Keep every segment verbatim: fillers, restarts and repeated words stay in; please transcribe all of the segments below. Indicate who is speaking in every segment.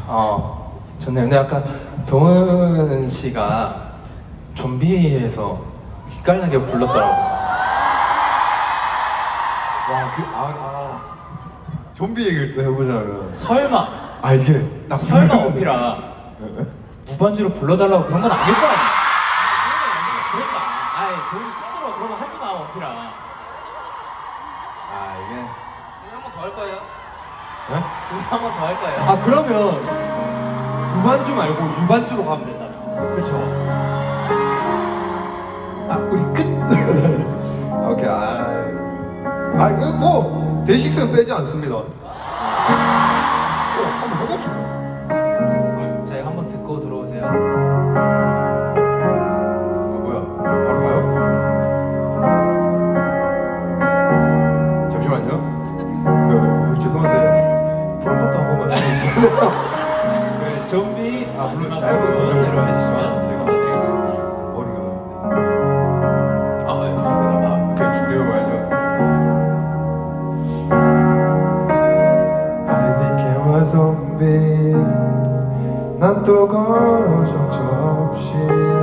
Speaker 1: 어, 좋네요. 근데 아까 동은 씨가 좀비에서 기깔나게 불렀더라고요.
Speaker 2: 와, 그, 아, 아. 좀비 얘기를 또 해보자면.
Speaker 3: 설마
Speaker 2: 아, 이게. 딱
Speaker 3: 설마 오피라 무반주로 불러달라고 그런 건 아닐 거 아니야? 그러지 마. 아이, 돈 스스로 그런 거 하지 마, 오피라.
Speaker 2: 아, 이게.
Speaker 1: 한 번 더 할 거예요?
Speaker 2: 네?
Speaker 1: 한 번 더 할 거예요?
Speaker 3: 아, 그러면 무반주 말고 유반주로 가면 되잖아. 그쵸?
Speaker 2: 아, 우리 끝! 아, 오케이, 아. 아, 이거 뭐, 데이식스는 빼지 않습니다. 어, 한번 해보죠.
Speaker 1: 저희 한 번 듣고 들어오세요.
Speaker 2: 아, 뭐야. 바로 가요? 잠시만요. 그, 어, 죄송한데, 프롬포트 한 번만 해주세요.
Speaker 3: 그 좀비
Speaker 2: 아, 물론
Speaker 3: 마지막으로
Speaker 2: 짧은 구절대로
Speaker 3: 해주시면 저희가 봐드리겠습니다.
Speaker 2: 머리가.
Speaker 3: 아, 네, 좋습니다. 아,
Speaker 2: 오케이, 준비해봐야죠. I became a zombie. 난 또 걸어 정처없이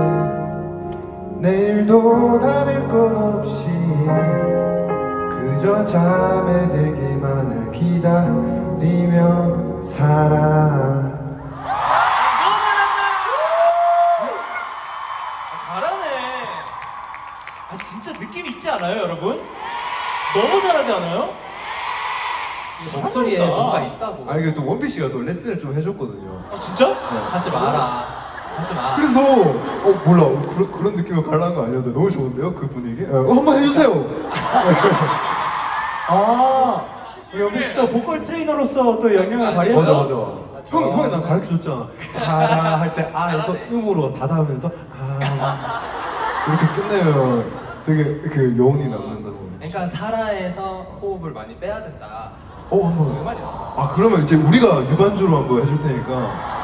Speaker 2: 내일도 다를 것 없이 그저 잠에 들기만을 기다리며 살아.
Speaker 3: 잘하네. 아, 진짜 느낌 있지 않아요, 여러분? 너무 잘하지 않아요?
Speaker 1: 이 목소리에
Speaker 3: 잘한다.
Speaker 1: 뭔가 있다고.
Speaker 2: 아 이게 또 원피 씨가 또 레슨을 좀 해줬거든요.
Speaker 3: 아, 진짜?
Speaker 1: 하지 마라. 하지 마.
Speaker 2: 그래서 어 몰라 어, 그런 그런 느낌을 갈라는 거 아니었는데 너무 좋은데요 그 분위기? 어, 한번 해주세요.
Speaker 3: 아, 영빈 씨도 보컬 트레이너로서 또 영향을 발휘했어?
Speaker 2: 맞아 맞아. 형 형이 난 가르쳐 줬잖아. 사라 할 때 아에서 음으로 닫아하면서 아 이렇게 끝내면 되게 그 여운이 남는다고.
Speaker 1: 그러니까 사라에서 호흡을 많이 빼야 된다.
Speaker 2: 어
Speaker 1: 그
Speaker 2: 한번.
Speaker 1: 말이야.
Speaker 2: 아 그러면 이제 우리가 유반주로 한번 해줄 테니까